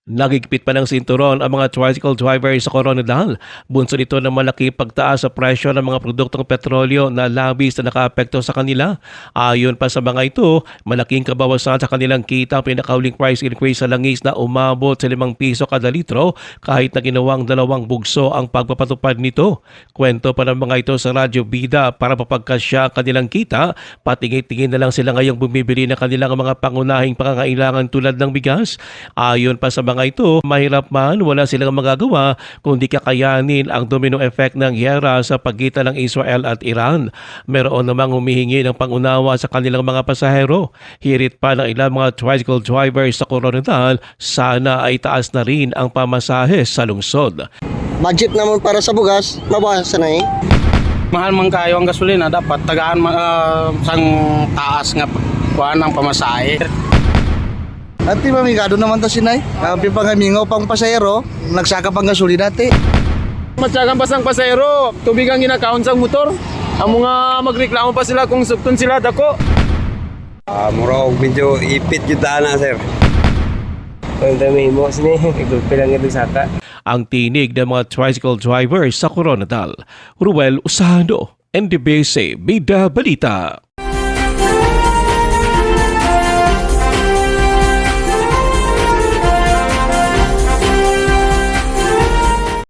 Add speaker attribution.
Speaker 1: Nagigpit pa ng sinturon ang mga tricycle drivers sa Coronadal. Bunso nito ng malaki pagtaas sa presyo ng mga produktong petrolyo na labis na nakaapekto sa kanila. Ayon pa sa mga ito, malaking kabawasan sa kanilang kita ang pinakauling price increase sa langis na umabot sa 5 piso kada litro kahit na ginawang 2 bugso ang pagpapatupad nito. Kwento pa ng mga ito sa Radyo Bida para mapagkasya ang kanilang kita, patingin-tingin na lang sila ngayong bumibili ng kanilang mga pangunahing pangangailangan tulad ng bigas. Ayon pa sa mga ito, mahirap man wala silang magagawa kundi kakayanin ang domino effect ng giyera sa pagitan ng Israel at Iran. Meron namang humihingi ng pangunawa sa kanilang mga pasahero. Hirit pa ng ilang mga tricycle drivers sa Coronadal, sana ay taas na rin ang pamasahe sa lungsod.
Speaker 2: Budget naman para sa bugas, mabawasan na eh.
Speaker 3: Mahal man kayo ang gasolina, dapat tagaan sang taas nga kuan ang pamasahe.
Speaker 2: At di mamigado naman ta sinay. Kapi pangamingaw pang pasahero, nagsaka pang gasolina ti.
Speaker 4: Matyagang pasang pasahero, tubig ang ginakaon sa motor. Ang mga magreklamo pa sila kung sukton sila dako.
Speaker 5: Murag medyo ipit yung daan na, sir.
Speaker 6: Ang dami mo sini, igulpi lang ito saka.
Speaker 1: Ang tinig ng mga tricycle drivers sa Coronadal. Ruel Usano, NDBC Bida Balita.